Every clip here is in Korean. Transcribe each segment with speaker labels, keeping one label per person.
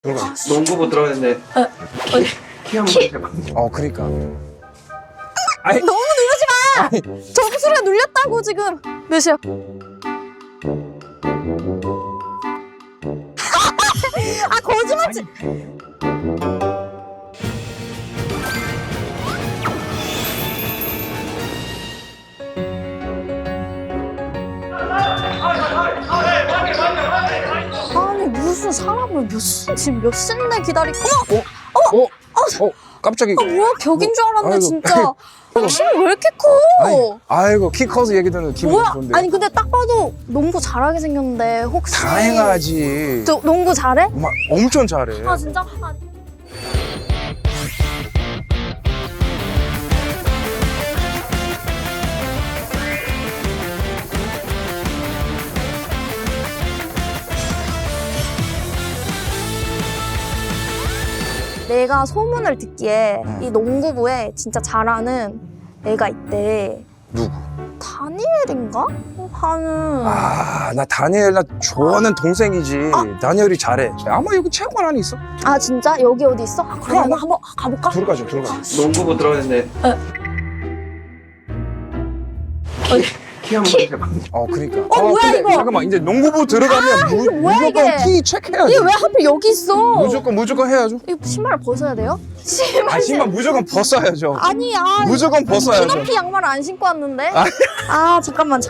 Speaker 1: 들어가.
Speaker 2: 농구부 들어갔는데 키 한번 해봐.
Speaker 1: 그러니까.
Speaker 3: 너무 누르지 마! 점수가 눌렸다고 지금. 몇이야? 아 거짓말치. 아니 무슨 사람을 지금 몇 시인데 기다리고.
Speaker 1: 깜짝이.
Speaker 3: 뭐야 벽인 줄 알았네.
Speaker 1: 아이고.
Speaker 3: 진짜. 힘이 왜 이렇게 커?
Speaker 1: 아이고 키 커서 얘기 듣는 기분이
Speaker 3: 뭐야?
Speaker 1: 좋은데.
Speaker 3: 아니 근데 딱 봐도 농구 잘하게 생겼는데 혹시
Speaker 1: 다행하지.
Speaker 3: 저 농구 잘해?
Speaker 1: 엄청 잘해.
Speaker 3: 아 진짜? 내가 소문을 듣기에 이 농구부에 진짜 잘하는 애가 있대.
Speaker 1: 누구?
Speaker 3: 다니엘인가? 하는.
Speaker 1: 나 다니엘 나 좋아하는 동생이지. 다니엘이 잘해. 아마 여기 체육관 안에 있어.
Speaker 3: 아 진짜? 여기 어디 있어? 아, 그러면
Speaker 1: 그럼.
Speaker 3: 한번 가볼까?
Speaker 1: 들어가죠.
Speaker 2: 농구부 들어갔는데 키 한번 해봐.
Speaker 1: 그러니까.
Speaker 3: 뭐야,
Speaker 1: 근데
Speaker 3: 이거?
Speaker 1: 잠깐만 이제 농구부 들어가면
Speaker 3: 이거 뭐야,
Speaker 1: 무조건
Speaker 3: 이게?
Speaker 1: 키 체크해야지.
Speaker 3: 이게 왜 하필 여기 있어?
Speaker 1: 무조건 해야죠.
Speaker 3: 이거 신발 벗어야 돼요?
Speaker 1: 신발 무조건 벗어야죠.
Speaker 3: 아니야.
Speaker 1: 무조건 벗어야죠.
Speaker 3: 키높이 양말 안 신고 왔는데? 잠깐만.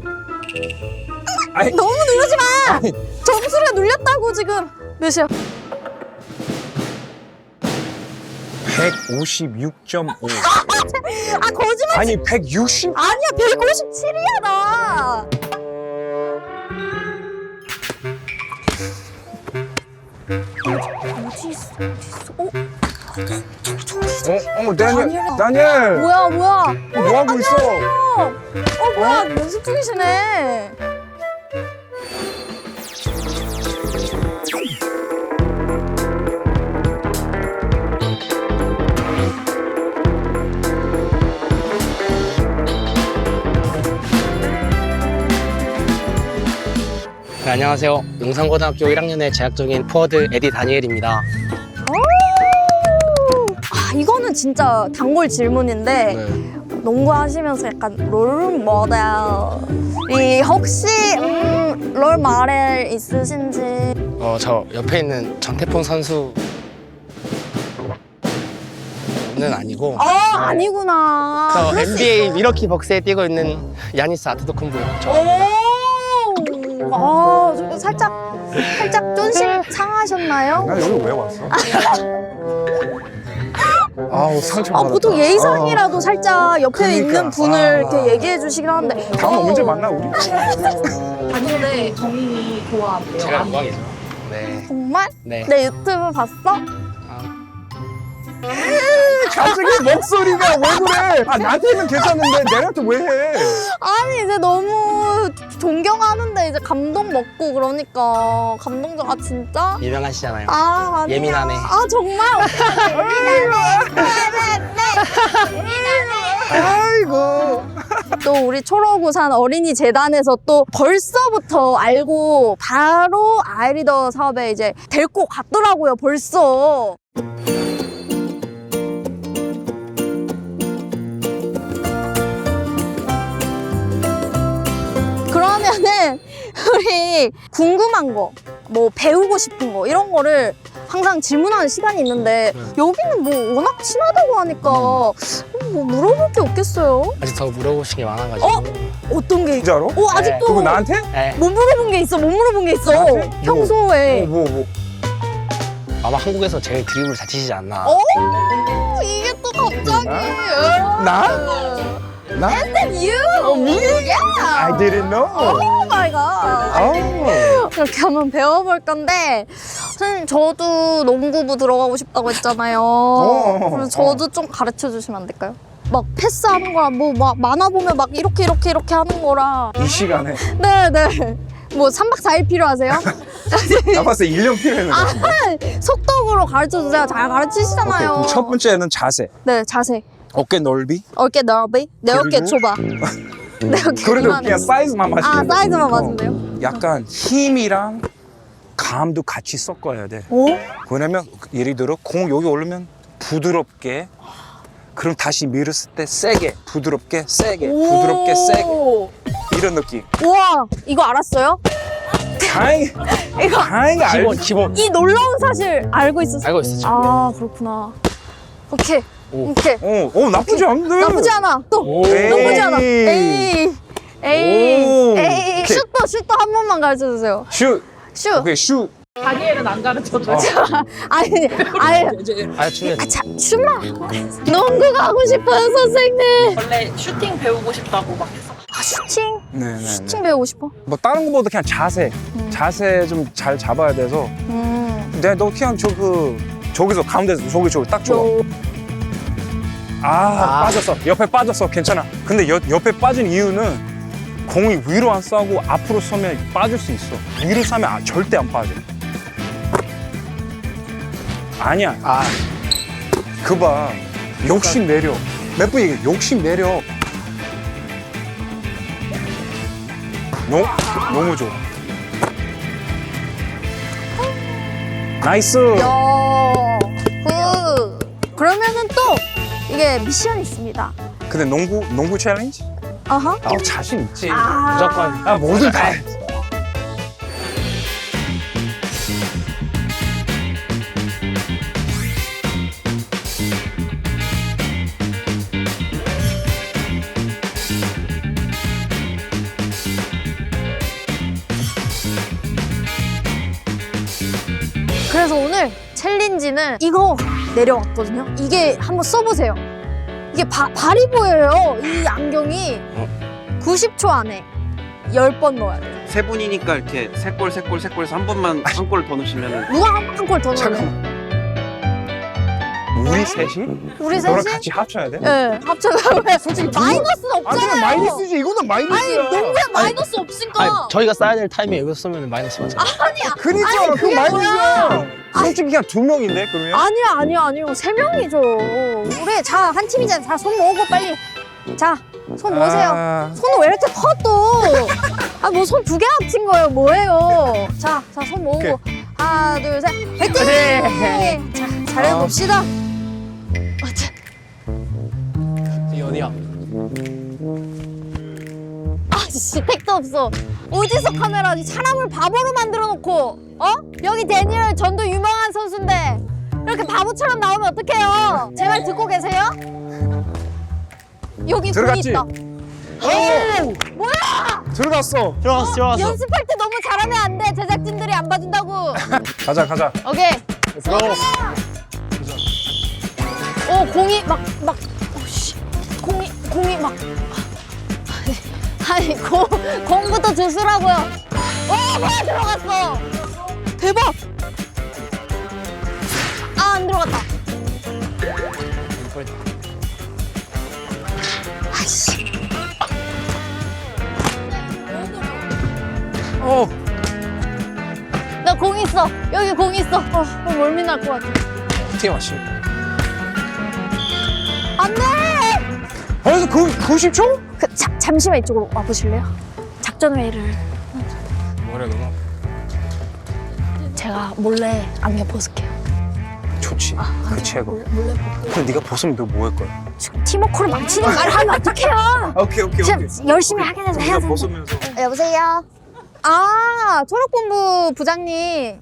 Speaker 1: 아니.
Speaker 3: 너무 누르지 마! 점수가 눌렸다고 지금. 몇이야?
Speaker 1: 156.5.
Speaker 3: 아 거짓말.
Speaker 1: 아니 160?
Speaker 3: 아니야 157이야 나. 어디 있어?
Speaker 1: 다니엘.
Speaker 3: 뭐야?
Speaker 1: 뭐 하고 있어?
Speaker 3: 뭐야 연습 중이시네.
Speaker 4: 네, 안녕하세요. 용산고등학교 1학년에 재학 중인 포워드 에디 다니엘입니다.
Speaker 3: 이거는 진짜 단골 질문인데 농구 하시면서 약간 롤 모델이 혹시 롤 모델 있으신지?
Speaker 4: 저 옆에 있는 전태풍 선수는 아니고
Speaker 3: 아니구나.
Speaker 4: 저
Speaker 3: 그럴 수
Speaker 4: NBA
Speaker 3: 있어요.
Speaker 4: 미러키 벅스에 뛰고 있는 야니스 아트토쿤보
Speaker 3: 저거 살짝 쫀심 상하셨나요?
Speaker 1: 나 여기 왜 왔어? 아우 상처 받았다.
Speaker 3: 보통 예의상이라도 살짝 옆에
Speaker 1: 그러니까.
Speaker 3: 있는 분을 이렇게 얘기해 주시긴 하는데.
Speaker 1: 다음에 언제 만나 우리?
Speaker 3: 다니엘의 정인이 좋아한대요.
Speaker 4: 제가 영광이죠. 네.
Speaker 3: 정말?
Speaker 4: 네.
Speaker 3: 내 유튜브 봤어?
Speaker 1: 갑자기 목소리가 왜 그래? 나한테는 괜찮은데 내한테 왜 해?
Speaker 3: 아니 이제 너무 존경하는데 이제 감동 먹고 그러니까 감동적. 진짜?
Speaker 4: 유명하시잖아요.
Speaker 3: 아니야.
Speaker 4: 예민하네.
Speaker 3: 정말
Speaker 1: 아이고.
Speaker 3: 또 우리 초록우산 어린이 재단에서 또 벌써부터 알고 바로 아이리더 사업에 이제 데리고 갔더라고요. 벌써. 그러면은 우리 궁금한 거, 뭐 배우고 싶은 거 이런 거를 항상 질문하는 시간이 있는데 여기는 뭐 워낙 친하다고 하니까 뭐 물어볼 게 없겠어요?
Speaker 4: 아직 더 물어보신 게 많아가지고.
Speaker 3: 어떤 게?
Speaker 1: 진짜로?
Speaker 3: 아직도
Speaker 1: 그거 나한테?
Speaker 4: 네.
Speaker 3: 못 물어본 게 있어. 못 물어본 게 있어.
Speaker 1: 나한테?
Speaker 3: 평소에.
Speaker 1: 뭐.
Speaker 4: 아마 한국에서 제일 드리블 잘 치시지 않나.
Speaker 3: 이게 또 갑자기.
Speaker 1: 나?
Speaker 3: And then you.
Speaker 1: me?
Speaker 3: Yeah.
Speaker 1: I didn't know.
Speaker 3: Oh my god. 이렇게 한번 배워볼 건데 선생님 저도 농구부 들어가고 싶다고 했잖아요. 그래서 저도 좀 가르쳐 주시면 안 될까요? 막 패스하는 거랑 뭐 막 만화 보면 막 이렇게 하는 거랑.
Speaker 1: 이 시간에
Speaker 3: 네네. 뭐 3박 4일 필요하세요?
Speaker 1: 나 봤을 때 1년 필요했는데.
Speaker 3: 속독으로 가르쳐 주세요. 잘 가르치시잖아요.
Speaker 1: 그럼 첫 번째는 자세.
Speaker 3: 네, 자세.
Speaker 1: 어깨 넓이.
Speaker 3: 어깨 넓이. 내 어깨
Speaker 1: 그리고?
Speaker 3: 좁아. 내 어깨
Speaker 1: 그래도
Speaker 3: 이만해.
Speaker 1: 그냥 사이즈만 맞추면 돼.
Speaker 3: 사이즈만 맞으면 돼요?
Speaker 1: 약간 힘이랑 감도 같이 섞어야 돼.
Speaker 3: 오?
Speaker 1: 왜냐면 예를 들어 공 여기 올리면 부드럽게, 그럼 다시 밀었을 때 세게, 부드럽게 세게, 부드럽게 세게, 이런 느낌.
Speaker 3: 우와, 이거 알았어요?
Speaker 1: 다행히
Speaker 3: 이거
Speaker 1: 다행히 알지.
Speaker 4: 기본.
Speaker 3: 이 놀라운 사실 알고 있었어요?
Speaker 4: 알고 있었죠.
Speaker 3: 아, 그렇구나. 오케이.
Speaker 4: 오.
Speaker 3: 오케이.
Speaker 1: 나쁘지 않네.
Speaker 3: 나쁘지 않아. 또
Speaker 4: 오.
Speaker 3: 나쁘지 않아.
Speaker 1: 에이.
Speaker 3: 에이.
Speaker 1: 오.
Speaker 3: 에이.
Speaker 1: 오케이.
Speaker 3: 슛도 한 번만 가르쳐 주세요.
Speaker 1: 슛.
Speaker 3: 슛.
Speaker 1: 오케이 슛.
Speaker 5: 다니엘은 안 가르쳐줘.
Speaker 3: 아니.
Speaker 4: 알았지.
Speaker 3: 아, 참, 슛만. 농구 가고 싶어요, 선생님.
Speaker 5: 원래 슈팅 배우고 싶다고 막 했어.
Speaker 3: 아, 슈팅?
Speaker 1: 네네.
Speaker 3: 슈팅 배우고 싶어?
Speaker 1: 뭐 다른 거보다 그냥 자세 좀 잘 잡아야 돼서. 근데 너 그냥 저기서 가운데서 저기 딱 줘. 빠졌어. 옆에 빠졌어. 괜찮아. 근데 옆에 빠진 이유는 공이 위로 안 쏘고 앞으로 쏘면 빠질 수 있어. 위로 쏘면 절대 안 빠져. 아니야. 그 봐. 욕심 내려. 몇 번 얘기해. 욕심 내려. 너무 좋아. 나이스.
Speaker 3: 야, 그러면은 또 이게 미션이 있습니다.
Speaker 1: 근데 농구 챌린지?
Speaker 3: 아하.
Speaker 1: 자신 있지.
Speaker 4: 무조건.
Speaker 1: 뭐든 다 해.
Speaker 3: 그래서 오늘 챌린지는 이거 내려왔거든요. 이게 한번 써보세요. 이게 발이 보여요. 이 안경이 90초 안에 10번 넣어야 돼요.
Speaker 2: 세 분이니까 이렇게 세 골 해서 한 번만 한 골 더 넣으시면은
Speaker 3: 누가 한 골 더 넣어요?
Speaker 1: 잠깐만. 우리 셋이?
Speaker 3: 우리
Speaker 1: 너랑
Speaker 3: 셋이?
Speaker 1: 같이 합쳐야 돼?
Speaker 3: 네, 합쳐가 솔직히 마이너스는 없잖아요.
Speaker 1: 마이너스지. 이거는 마이너스야.
Speaker 3: 아니, 농구에 마이너스 없으니까.
Speaker 4: 아니, 저희가 써야 될 타이밍에 여기서 쏘면 마이너스 맞잖아.
Speaker 3: 아니야.
Speaker 1: 그니까
Speaker 3: 아니,
Speaker 1: 그
Speaker 3: 그게
Speaker 1: 마이너스야.
Speaker 3: 뭐야.
Speaker 1: 솔직히 그냥 2명인데 그러면?
Speaker 3: 아니요. 3명이죠. 우리 자, 한 팀이잖아. 자, 손 모으고 빨리. 자, 손 모으세요. 손은 왜 이렇게 커 또? 뭐 손 2개 합친 거예요. 뭐예요? 자, 손 모으고.
Speaker 1: 오케이.
Speaker 3: 하나, 둘, 셋. 화이팅! 자, 잘해봅시다.
Speaker 4: 이 어디야?
Speaker 3: 아씨, 택도 없어. 어디서 카메라지? 사람을 바보로 만들어 놓고, 여기 데니얼 전도 유명한 선수인데 이렇게 바보처럼 나오면 어떡해요? 제 말 듣고 계세요? 여기 공이
Speaker 1: 들어갔지?
Speaker 3: 있다. 뭐야?
Speaker 1: 들어갔어.
Speaker 4: 들어왔어.
Speaker 3: 연습할 때 너무 잘하면 안 돼. 제작진들이 안 봐준다고.
Speaker 1: 가자.
Speaker 3: 오케이.
Speaker 4: 들어.
Speaker 3: 공이 씨. 공이 막. 아니, 공부터 주스라고요. 뭐야, 들어갔어. 대박. 안 들어갔다. 아이씨. 나 공 있어. 여기 공 있어. 멀미 날 것 같아.
Speaker 1: 어떻게 마시?
Speaker 3: 안 돼!
Speaker 1: 벌써 90초?
Speaker 3: 잠시만 이쪽으로 와보실래요? 작전 회의를.
Speaker 1: 뭐래 너무
Speaker 3: 제가 몰래 안경 벗을게요.
Speaker 1: 좋지. 그렇지 해고.
Speaker 3: 몰래 벗고.
Speaker 1: 근데 네가 벗으면 너 뭐 할 거야?
Speaker 3: 지금 팀워크를 망치는 말을 하면 어떡해요?
Speaker 1: 오케이.
Speaker 3: 지금 열심히 하긴 해서 해야
Speaker 1: 네가
Speaker 3: 돼.
Speaker 1: 벗으면서.
Speaker 3: 여보세요? 초록본부 부장님.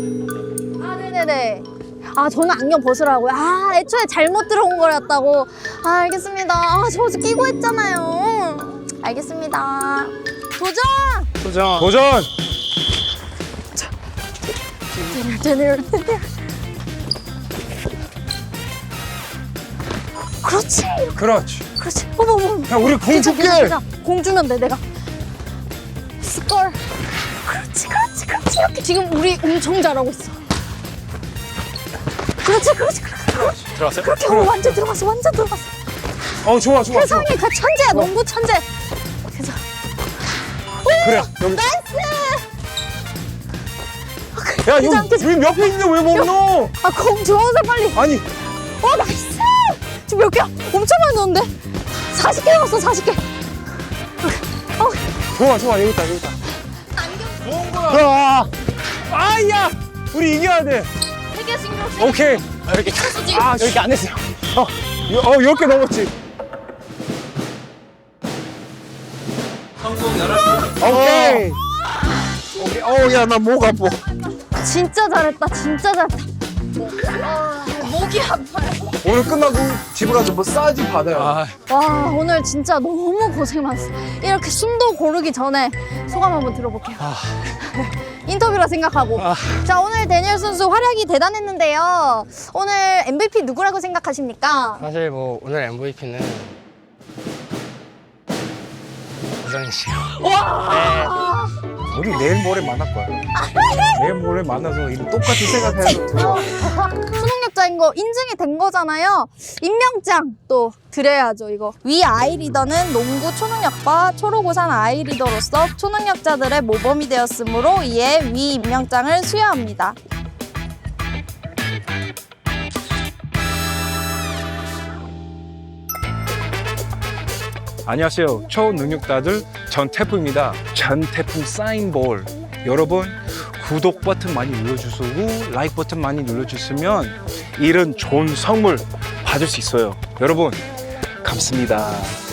Speaker 3: 네네네. 저는 안경 벗으라고요. 애초에 잘못 들어온 거였다고. 알겠습니다. 저 어제 끼고 했잖아요. 알겠습니다. 도전!
Speaker 1: 도전!
Speaker 3: 데니얼. 그렇지. 어머.
Speaker 1: 야, 우리 공 줄게.
Speaker 3: 공 주면 돼, 내가. 스콜. 그렇지. 이렇게. 지금 우리 엄청 잘하고 있어. 그렇지.
Speaker 4: 들어왔어요?
Speaker 3: 그렇게 완전 들어갔어.
Speaker 1: 좋아.
Speaker 3: 세상에 그 천재야, 농구 천재. 그래서.
Speaker 1: 그래, 여기.
Speaker 3: 나이스!
Speaker 1: 야, 여기 옆에 있는데 왜 못 넣어?
Speaker 3: 공 주워서 빨리.
Speaker 1: 아니,
Speaker 3: 나이스! 지금 몇 개야? 엄청 많이 넣었는데? 40개 넣었어, 40개.
Speaker 1: 좋아, 여기 있다.
Speaker 3: 안경.
Speaker 1: 좋아. 아야! 우리 이겨야 돼.
Speaker 3: 세계 신경 쓰.
Speaker 1: 오케이.
Speaker 4: 이렇게
Speaker 1: 아,
Speaker 4: 이렇게 안 했어요.
Speaker 1: 10개 넘었지.
Speaker 2: 성공 11개.
Speaker 1: 오케이. 오케이. 야, 나 목 아파.
Speaker 3: 진짜 잘했다. 진짜 잘했다. 목이 아파요.
Speaker 1: 오늘 끝나고 집에 가서 뭐 싸지 받아요.
Speaker 3: 와, 오늘 진짜 너무 고생 많았어. 이렇게 숨도 고르기 전에 소감 한번 들어볼게요. 인터뷰라 생각하고. 자, 오늘 대니엘 선수 활약이 대단했는데요. 오늘 MVP 누구라고 생각하십니까?
Speaker 4: 사실 뭐 오늘 MVP는 우정희 씨요.
Speaker 1: 우리 내일 모레 만날 거야. 내일 모레 만나서 이런 똑같이 생각해서 들어.
Speaker 3: 수능력자인 거 인증이 된 거잖아요. 임명장 또 드려야죠, 이거. 위 아이리더는 농구 초능력과 초록우산 아이리더로서 초능력자들의 모범이 되었으므로 이에 위 임명장을 수여합니다.
Speaker 1: 안녕하세요. 초능력자들 전태풍입니다. 전태풍 사인볼. 여러분 구독 버튼 많이 눌러주시고 라이크 버튼 많이 눌러주시면 이런 좋은 선물 받을 수 있어요. 여러분 감사합니다.